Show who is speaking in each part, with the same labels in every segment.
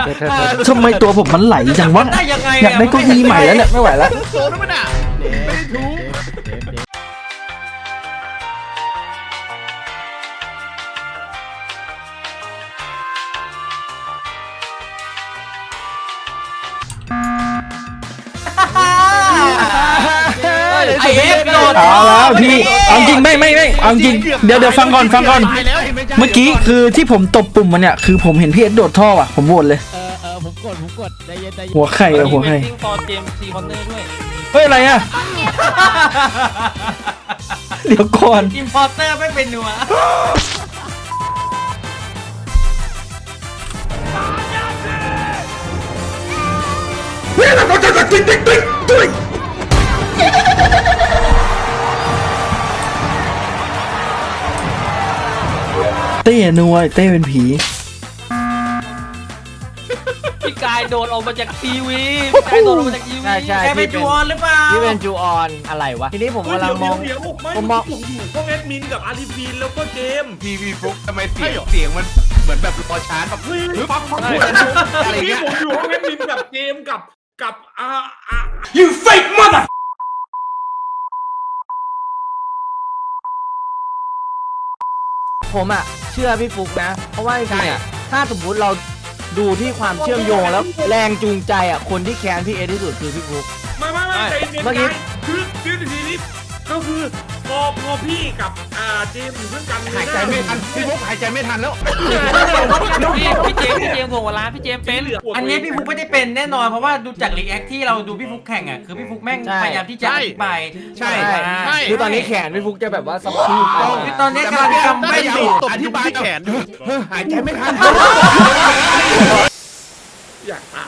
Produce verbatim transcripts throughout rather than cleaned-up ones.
Speaker 1: ทำไมตัวผมมันไหลจังวะ
Speaker 2: ได้ยังไง
Speaker 1: อยากได้เก้าอี้ใหม่แล้วเนี่ยไม่ไหวแล้ว
Speaker 3: โซนมันอ่ะไม่ได้ทุบ
Speaker 2: ไอเอฟโดน
Speaker 1: เอาแล้วพี่เอาจริงไม่ไม่ไม่เอาจริงเดี๋ยวเดี๋ยวฟังก่อนฟังก่อนเมื่อกี้คือที่ผมตบปุ่มมันเนี่ยคือผมเห็นพี่เอสโดดท่ออ่ะผมโหวตเลย
Speaker 4: เออเออผมกดผมกดใจเย็นใจเย็น
Speaker 1: หัวไข่อะหัวไข่
Speaker 2: ฟอร์เจมซีคอนเนอร์ด้วย
Speaker 1: เฮ้ยอะไรอ่ะเดี๋ยวก่อน
Speaker 2: อิมพอร์เตอร์ไม่เป็นนัว
Speaker 1: เต้นวยเต้เป็นผี
Speaker 2: พี่กายโดนออกมาจากทีวีพี่กายโดนออกมาจากทีวี
Speaker 4: ใช่ใช่
Speaker 2: แกเป็นจูออนหรือเปล่า
Speaker 4: พี่เป็นจูออนอะไรวะทีนี้ผมกำลังมอง
Speaker 3: เดี๋ยวไม่
Speaker 4: ผมมอง
Speaker 3: ผมอยู่พวกแอดมินกับอาร์ติฟีนแล้วก็เจม
Speaker 5: ทีวีฟุกทำไมเสียงเสียงมันเหมือนแบบรอชาร์จแบบ
Speaker 3: เฮ้ยฟังฟัง
Speaker 5: อะไร
Speaker 3: อะไร
Speaker 5: เงี้
Speaker 3: เงี้
Speaker 5: ย
Speaker 3: ยผมอยู่พวกแอดมินกับเจมกับกับอ่าอ่า
Speaker 2: You fake mother
Speaker 4: ผมอ่ะเชื่อพี่ฟุกนะ เพราะว่าจริงๆอ่ะถ้าสมมุติเราดูที่ความเชื่อมโยงแล้วแรงจูงใจอ่ะคนที่แค้นพี่เอที่สุดคือพี่ฟุก
Speaker 3: ไม่ไม่ไม่ใจเย็น
Speaker 4: เมื่อกี้
Speaker 3: ใจคือคือทีนี้ก็คือพอพอพี่กับอ่าเจมอยู่ด้วยกัน
Speaker 5: หายใจไม่ทันพี่ฟุกหายใจไม่ทันแล้ว
Speaker 2: พี่พี่เจมส์พี่เจมส์ส่งเวลาพี่เจมส์เป็นอันนี้พี่ฟุกไม่ได้เป็นแน่นอนเพราะว่าดูจากรีแอคที่เราดูพี่ฟุกแข่งอ่ะคือพี่ฟุกแม่งพยายามที่จะอธิบาย
Speaker 5: ใช่
Speaker 2: ใช่
Speaker 4: คือตอนนี้แขนพี่ฟุกจะแบบว่าสมอง
Speaker 2: คือตอนนี้กำลังจำไม่ถูก
Speaker 5: อธิบายแขนอยู่หายใจไม่ทัน
Speaker 3: อยากตาย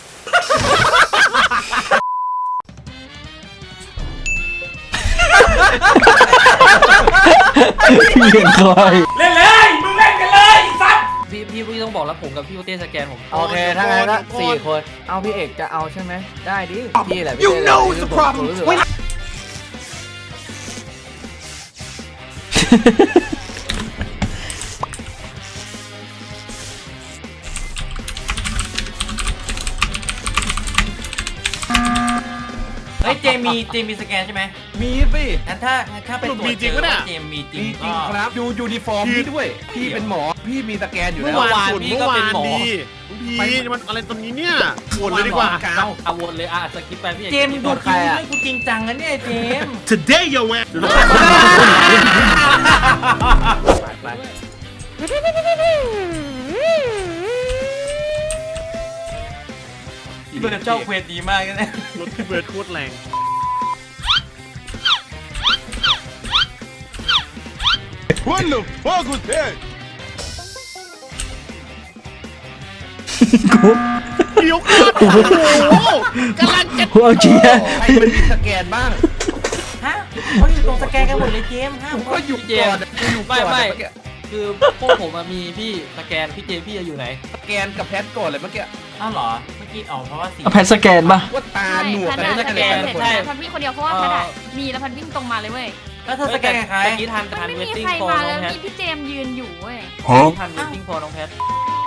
Speaker 1: พี่เห็นคอย
Speaker 2: เล่นเลยมึงเล่นกันเลยสัตว์พี่พี่พี่ต้องบอกแล้วผมกับพี่โอเต้สแกนผม
Speaker 4: โอเคถ้างั้นก็สี่คนเอาพี่เอกจะเอาใช่ไหมได้ดิพี่แหละ
Speaker 5: You know the problem
Speaker 2: เฮ้ยเจมมีเจมมีสแกนใช่ไหม
Speaker 5: มีสิ
Speaker 2: งั้นถ้าถ้าไปตรวจเจอว่าเจมมีจริ
Speaker 5: มี
Speaker 2: ง
Speaker 5: จริงครับดูยูนิฟอร์มพี่ด้วย พี่เป็นหมอพี่มีสแกนอยู่
Speaker 3: เมื่
Speaker 5: แล้
Speaker 3: อ
Speaker 5: ว
Speaker 3: วานพี่ก็เป็นหมอพี่มันอะไรตอนนี้เนี่ยปวดเลยดีกว่า
Speaker 2: เอาเอาวนเลยอ่ะสกิปไปพี่เจมดูใครอ่ะกูจริงจังนะเนี่ยเจม
Speaker 3: Today yo man
Speaker 4: ไป
Speaker 2: พี่เบิร์ดเจ้าเควสดีมากนะ
Speaker 3: รถพี่เบิร์ดโคตรแรง
Speaker 5: What the fuck was that
Speaker 1: กู
Speaker 3: เดี๋ยวก่อนโอ้โหกำลังจะ
Speaker 1: กูเอาเชียร์
Speaker 5: ใครมันมีสแกนบ้าง
Speaker 2: ฮะเขาอยู่ตรงสแกนกันหมดเลยเจมฮะ
Speaker 5: ผมก็อยู่
Speaker 2: เจ
Speaker 5: ก่
Speaker 2: ม
Speaker 5: อนอยู่
Speaker 2: ไม่
Speaker 5: ก่อน
Speaker 2: ไม่
Speaker 5: เมื่อกี้
Speaker 2: คือพวกผมมีพี่สแกนพี่เจมพี่อยู่ไหน
Speaker 5: สแกนกับแพทก่อนเลยเมื่อกี้
Speaker 2: อ้าวเหรอเมื่อกี้อ๋อเพราะว่าสี
Speaker 1: เอาแพทสแกนป่ะ
Speaker 5: ว่าตาหนวก
Speaker 6: ใช่
Speaker 5: กัน
Speaker 6: พั
Speaker 5: ได้
Speaker 6: น
Speaker 5: กัน
Speaker 6: อะ
Speaker 5: เลย
Speaker 6: สแกน
Speaker 5: แต่ละคน
Speaker 6: เสร็จแล้วพันวิ่งคนเดียวเพราะว่าพันอะมีแล้วพันวิ่งตรงมาเลยเว้ย
Speaker 2: แล้วเธอสแกนกับใครเมื่อกี้ทัน
Speaker 6: มัน
Speaker 2: ทัน
Speaker 6: ไม่
Speaker 2: เวท
Speaker 6: มี
Speaker 2: ติ้ง
Speaker 6: ใคร
Speaker 2: โฟ
Speaker 6: มา
Speaker 2: น้
Speaker 6: แล้
Speaker 2: อ
Speaker 6: ว
Speaker 2: งแพท
Speaker 6: มีพี่เจมยืนอยู่เว้ย
Speaker 2: ทันเวทติ้งโฟน้องแพท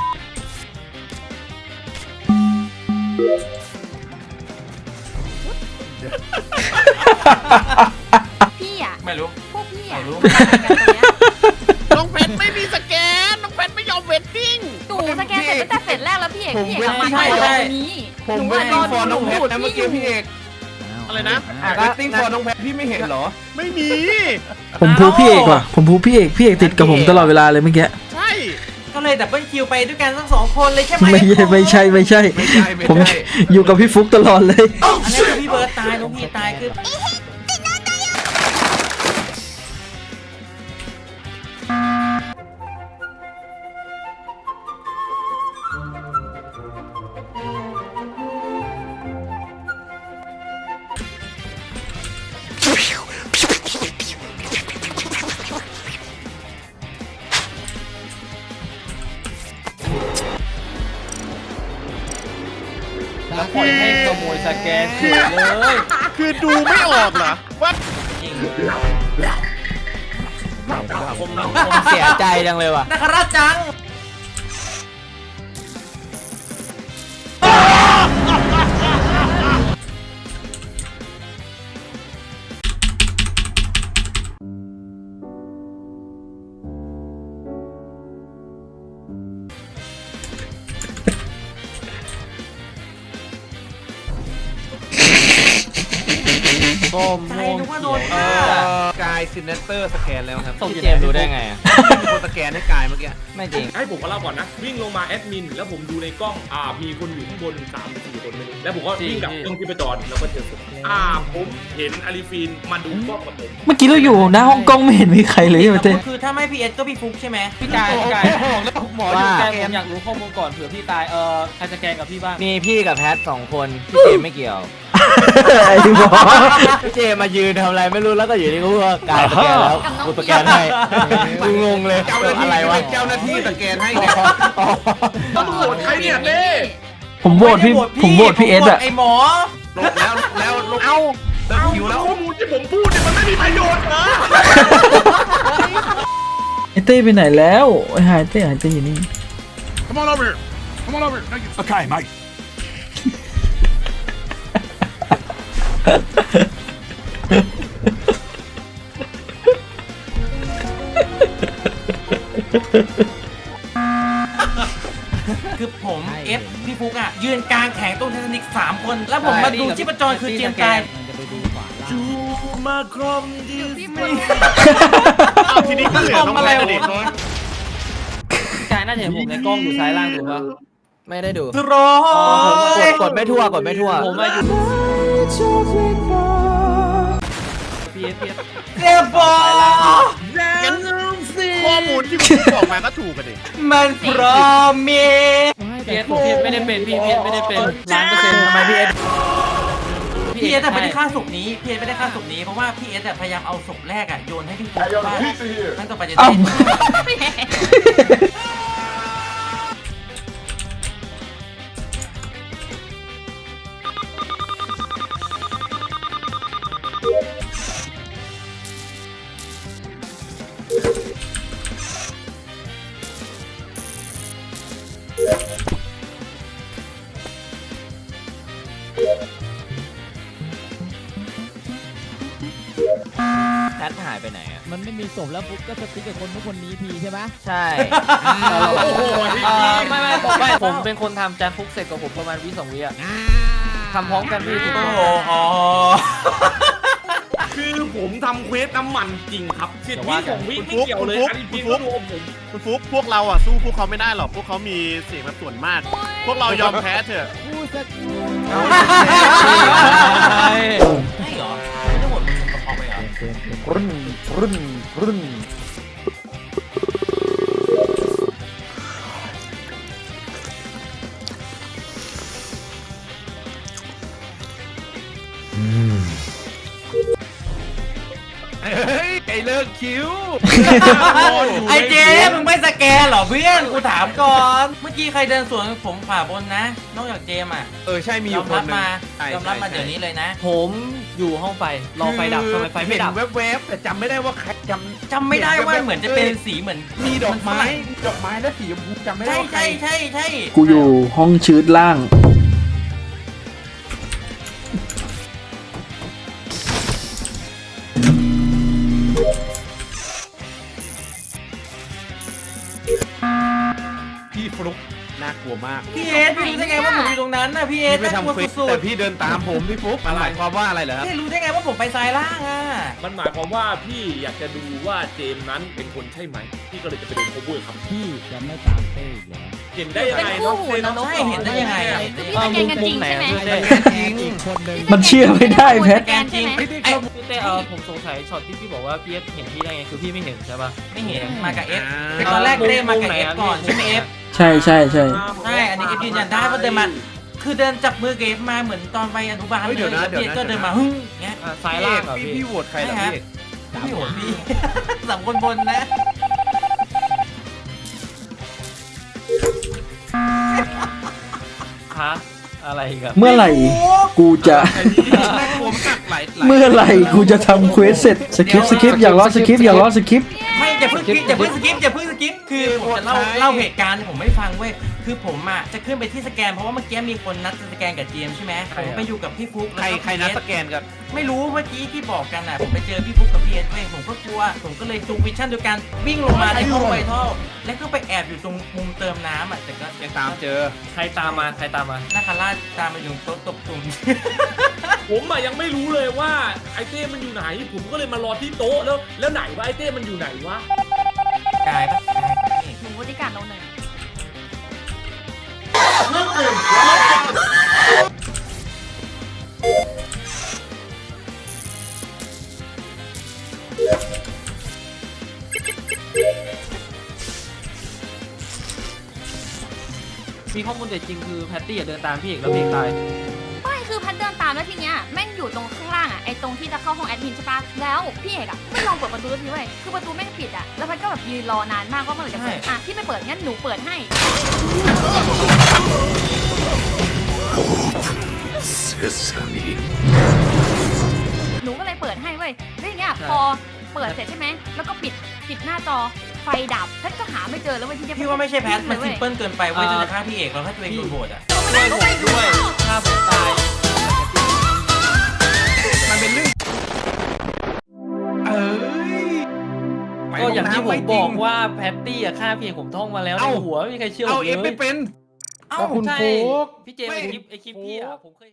Speaker 6: พี่อ่ะ
Speaker 2: ไม่รู้
Speaker 6: พวกพี่อ่ะ
Speaker 2: ไม่รู้
Speaker 6: มากันตรงเนี้ย
Speaker 3: น้องเพชรไม่มีสแกนน้องเพชรไม่ยอมเวทติ้ง
Speaker 6: หนูสแกนเสร็จตั้งแต่เสร็จแรกแล้วพี่เอกพี่เอกกลับมา
Speaker 2: ใช่
Speaker 6: ทำ
Speaker 2: ใช่
Speaker 6: อะไรนี้
Speaker 5: ผม
Speaker 6: หนู
Speaker 5: เวท
Speaker 6: อะร
Speaker 5: ติ้
Speaker 6: อง
Speaker 5: ฟอร์น้องแพท
Speaker 6: ดู
Speaker 5: นะเมื่อกี้พี่เอก
Speaker 3: อะไรนะ
Speaker 4: อ่ะ
Speaker 5: เว
Speaker 4: ก็
Speaker 5: ทติ้งฟอร์น้องแพทพี่ไม่เห็นเหรอ
Speaker 3: ไม่มี
Speaker 1: ผมพูพี่เอกว่ะผมพูพี่เอกพี่เอกติดกับผมตลอดเวลาเลยเมื่อกี้
Speaker 3: ใช่
Speaker 2: ก็เลยดับเบิลคิวไปด้วยกันทั้งสองคนเลยใช่ไหม
Speaker 1: ไม่ใช่ไม่ใช่ไม่ใช่
Speaker 5: ไม่ใช่ไม่
Speaker 1: ผม
Speaker 5: ใช่
Speaker 1: อยู่กับพี่ฟุกตลอดเลย
Speaker 2: อันนี้คือพี่เบิร์ดตายน้องพี่ตายคือ แล้วปล่อยให้ขโมยสแกนเฉยเลย
Speaker 3: คือดูไม่ออกเหรอว่า
Speaker 2: จริง
Speaker 4: ผมผมเสียใจจังเลยว่ะ
Speaker 2: นักราชจัง
Speaker 4: ส้ม
Speaker 2: ใจ
Speaker 4: ม่วง
Speaker 2: นึกว่าโดน
Speaker 5: เอ
Speaker 2: ฆ่า
Speaker 5: อกายซินเนเตอร์สแกนแล้วครับ
Speaker 4: พี่เจมส์รู้ได้ไงอะ
Speaker 5: มีคนสแกนให้กายเมื่อกี้
Speaker 4: ไม่จริง
Speaker 3: ให้ผมมาเล่าก่อนนะ วิ่งลงมาแอดมิน แล้วผมดูในกล้องอ่ามีคนอยู่ข้างบนสามหรือสี่คนไม่รู้แล้วผมก็วิ่งกลับกล้องที่ประจรแล้วก็เจอศพอ่าผมเห็นอาริฟีนมาดูกล้องกับผม
Speaker 1: เมื่อกี้เราอยู่หน้าห้องกล้องไม่เห็นมีใครเลยมาเต้
Speaker 2: คือถ้าไม่พีเอสก็พี่ฟุกใช่ไหม
Speaker 7: พี่กายพี่กาย
Speaker 5: หมออยู่
Speaker 7: พี่
Speaker 5: ส
Speaker 7: กาย
Speaker 5: แก
Speaker 7: ผ
Speaker 5: น
Speaker 7: มอยากรู้ข้อมูลก่อนเผื่อพี่ตายเออใครสแกนกับพี่บ้าง
Speaker 4: มีพี่กับแพทสองคนพี่เจมส์ไม่เกี่ยว
Speaker 1: ไอ้หมอ
Speaker 4: พี่เจมส์มายืนทำอะไรไม่รู้แล้วก็อยู่นี่ก็ว่ากายสแกนแล้วกูสแกนให้กูงงเลย
Speaker 5: เจ้าหน้าที่
Speaker 4: อะไรวะ
Speaker 5: เป็นเจ้าหน้าที่สแกนให้ไง
Speaker 3: ต้องโหวตใครเนี่ยเต้
Speaker 1: ผมโหวตพี่ผมโหวตพี่เอสอะ
Speaker 2: ไอหมอ
Speaker 5: ลงแล้วแล้วลงเอาเลิกคิวแล้ว
Speaker 3: ข้อมูลที่ผมพูดเนี่ยมันไม่มีประโยชน์นะ
Speaker 1: ไอ้เต้ไปไหนแล้วไอ้หายเต้หายเต้อยู่นี่
Speaker 8: Come on over here. Come on over here. Thank you. Okay, mate.
Speaker 2: คือผมเอฟพี่ฟุกอ่ะยืนกลางแข่งตรงไททานิกสามคน แล้วผมมาดูชีพจรคือเจมส์กาย
Speaker 3: จูมาครอมดี
Speaker 6: พี่ฟุก
Speaker 5: ทีนี้ก็เหลือน้องแพทย์ดิ
Speaker 7: พี่กายน่าจะเห็นผมในกล้องอยู่ซ้ายล่างถูกปะ
Speaker 4: ไม่ได้ดู
Speaker 2: โร
Speaker 4: ก
Speaker 2: ย
Speaker 4: ดกดไม่ทั่วกดไม่ทั่ว
Speaker 7: ผมมาอยู่พีเอสพีเอส
Speaker 2: เจมส์บอล
Speaker 5: งั้นข้อมูลที่คุณบอกมาก็ถูกกันดิ
Speaker 2: มันพร้อมมี
Speaker 7: พีเอสผมพีเอสไม่ได้เป็นพี่พีเอสไม่ได้เป็นล้านเปอร์เซ็นต์ทำไมพี่เอส
Speaker 2: พี่เอสไม่ได้ฆ่าศพนี้พี่เอสไม่ได้ฆ่าศพนี้เพราะว่าพี่เอสพยายามเอาศพแรกอ่ะโยนให้พี่ฟุกว่าตั้งต่อไปจะ
Speaker 1: เอ้า
Speaker 2: ได้
Speaker 4: แพทหายไปไหนอ่ะ
Speaker 9: มันไม่มีศพแล้วปุ๊บก็จะติ๊กกับคนทุกคนนี้ทีใช่ไหม
Speaker 4: ใช่
Speaker 3: โอ้โห
Speaker 7: เอ่อไม่ไม่ผมไม่ผมเป็นคนทำจานฟุกเสร็จกับผมประมาณวิสองวิอะทำพร้อมกันพี่ถูก
Speaker 2: โอ้
Speaker 7: ต้อง
Speaker 2: โห
Speaker 3: คือผมทำเควสน้ำมันจริงครับสิบวิสองวิไม่เกี่ยวเลยอาริฟีนก็รวมผม
Speaker 5: คุณฟุกพวกเราอ่ะสู้พวกเขาไม่ได้หรอกพวกเขามีเสียงแบบส่วนมาก พวกเรายอมแพ้เถอะ
Speaker 9: ผู้สัก
Speaker 2: ไม่เหรอไม่ได้หมดออกไปเหรอ
Speaker 4: รุ่นรุ่นรุ่น
Speaker 5: เฮ้ยไอเลิกคิว
Speaker 2: ไอเจมมึงไม่สแกนเหรอเพื่อนกูถามก่อน เมื่อกี้ใครเดินสวนผมขวาบนนะ นอกจากเจมอ่ะ
Speaker 5: เออใช่มีอย
Speaker 2: อยู่ ม
Speaker 5: ค
Speaker 2: รั
Speaker 5: น
Speaker 2: บ
Speaker 5: หนึง
Speaker 2: มา
Speaker 5: ใช่
Speaker 2: ยอมรับมา
Speaker 5: ใช่
Speaker 2: เดี๋ยวนี้เลยนะ
Speaker 7: ผมอยู่ห้องไฟรอไฟดับทำไมไฟไม่ดับ
Speaker 5: เห็นแวบๆแต่จำไม่ได้ว่าใครจำ
Speaker 2: จำไม่ได้ว่าเหมือนจะเป็นสีเหมือน
Speaker 5: มีดอกไม้ดอกไม้และสีชมพูจำไม่ได้
Speaker 2: ใช่
Speaker 5: ว่าใคร
Speaker 2: ใช่ใช่ใช่
Speaker 1: กูอยู่ห้องชืดล่าง
Speaker 5: พี่ฟลุกน่ากลัวมาก
Speaker 2: พี่เอสพี่รู้ได้ไงว่าผมอยู่ตรงนั้นน่ะพี่เอส
Speaker 5: พี่ไป
Speaker 2: น่ากลัว
Speaker 5: ทำเควส
Speaker 2: สุ
Speaker 5: แต่
Speaker 2: ด
Speaker 5: พี่เดินตามผมพี่ฟลุกมันหมายความว่าอะไรเหรอ
Speaker 2: ๆ
Speaker 5: ครับ
Speaker 2: พี่รู้ได้ไงว่าผมไปซ้ายล่างอ่ะ
Speaker 3: มันหมายความว่าพี่อยากจะดูว่าเจมส์นั้นเป็นคนใช่ไหมพี่ก็เลยจะไปเดินโคบูครับ
Speaker 9: พี่จะไม่ตามเต้อีกแล้ว
Speaker 3: เห็นได้ยัง
Speaker 6: เป็น
Speaker 3: ไง
Speaker 6: คู่
Speaker 3: เนาะ
Speaker 6: หู
Speaker 3: เจมส์
Speaker 6: นรก
Speaker 2: ใช่เห็นได้ยังไงอะ
Speaker 6: คือพี่สแกนกันจริงใช่ไหม
Speaker 5: จริง
Speaker 9: อีกคนหนึ่ง
Speaker 1: มันเชื่อไม่ได้แพท
Speaker 6: สแกนจริง
Speaker 2: ไอ้
Speaker 7: พี่เต้เออผมสงสัยช็อตที่พี่บอกว่าพีเอสเห็นพี่ได้ไงคือพี่ไม่เห็นใช่ปะ
Speaker 2: ไม่เห็นมากับเอฟ
Speaker 5: อ่า
Speaker 2: แต่ตอนแรกเต้มากับเอฟก่อนใช่ไหมเอฟ
Speaker 1: ใช่ใช่ใช่
Speaker 2: ใช่อันนี้เอฟยืนยันได้ว่าเดินมา คือเดินจับมือกับเอฟมาเหมือนตอนไปอนุบาล
Speaker 5: เฮ้ย
Speaker 2: เล
Speaker 5: เดี๋ยวย นะ
Speaker 2: แล้วพี่เอฟ
Speaker 5: เดี๋
Speaker 2: ก็
Speaker 5: ยวนะ
Speaker 2: เดินมาฮึ่งเงี้ย
Speaker 7: อ่ะซ้ายล่างเหรอ
Speaker 5: พี่
Speaker 7: พี่
Speaker 5: พี่โหวตใครเหรอ
Speaker 2: ใช่
Speaker 5: พี่
Speaker 2: พี่โหพี่ สามคนบนนะ
Speaker 7: ฮะอะไรอีกัน
Speaker 1: เมื่อไหร่ กูจะ
Speaker 5: น่ากลัวมากหลายหลาย
Speaker 1: เมื่อไหร่กูจะทำเควสเสร็จสคริปต์สคริปต์อย่าล้อสคริปต์อย่าล้อสคริปต์
Speaker 2: ไม่อย่าเพิ่งคิดอย่าเพิ่งสกิปอย่าเพิ่งสกิปคือผมจะเล่าเล่าเหตุการณ์ผมไม่ฟังเว้ยคือผมอ่ะจะขึ้นไปที่สแกนเพราะว่าเมื่อกี้มีคนนัดจะสแกนกับเจมส์ใช่ไหมผมไปอยู่กับพี่ฟุกแล้ว
Speaker 4: ใคร
Speaker 2: ก็
Speaker 4: ใครนัดสแกนกัน
Speaker 2: ไม่รู้เมื่อกี้ที่บอกกันอ่ะผมไปเจอพี่ฟุกกับพี่เอสเว้ยผมก็กลัวผมก็เลยจูงวิชั่นโดยการวิ่งลงมาในห้องไวท่อแล้วก็ไปแอบอยู่ตรงมุมเติมน้ำอ่ะแต่ก็
Speaker 4: ยังตามเจอ
Speaker 7: ใครตามมาใครตามมา
Speaker 2: นาคาราชตามมาอยู่โต๊ะตบตุ่ม
Speaker 3: ผมอะยังไม่รู้เลยว่าไอเต้มันอยู่ไหน ผมก็เลยมารอที่โต๊ะแล้วแล้วไหนว่าไอเต้มันอยู่ไหนวะ
Speaker 2: กายปะกายปะนี่
Speaker 6: หนูบริการเราหนึ่ง
Speaker 7: มีข้อมูลเด็ดจริงคือแพตตี้อะเดินตามพี่เอกแล้วพี่เอกตาย
Speaker 6: ไม่คือพัดเดินตามแล้วทีเนี้ยแม่งอยู่ตรงข้างล่างอ่ะไอ้ตรงที่จะเข้าห้องแอดมินใช่ปะแล้วพี่เอกอ่ะไม่ลองเปิดประตูทีเว้ยคือประตูแม่งปิดอ่ะแล้วพัดก็แบบยืนรอนานมากก็เมื่อไหร่จะเปิดอ่ะพี่ไม่เปิดงั้นหนูเปิดให้หนูก็เลยเปิดให้เว้ยแล้วอย่างเงี้ยพอเปิดเสร็จใช่ไหมแล้วก็ปิดปิดหน้าจอไฟดับพัดก็หาไม่เจอแล้วเว้ยที่จะ
Speaker 2: พี่ว่าไม่ใช่แพทมันซิมเปิลเกินไปเว้ยจะฆ่าพี่เอกแล้วถ้าตัวเองโดนโหวตอ่ะ
Speaker 7: ช่วยผมด้วยถ้าผมตาย
Speaker 4: มันเป็นเรื่อง
Speaker 7: ก็อย่างที่ผมบอกว่าแพตตี้อะฆ่าพี่เอกผมท่องมาแล้วในหัวไม่มีใครเชื่อผ
Speaker 4: เอา
Speaker 7: ม
Speaker 4: เอฟ
Speaker 7: เล
Speaker 4: ไม่
Speaker 7: ย
Speaker 4: เป็น
Speaker 7: ใช่พี่เจมส์ไอคลิปไอคลิปพี่อะผมเคย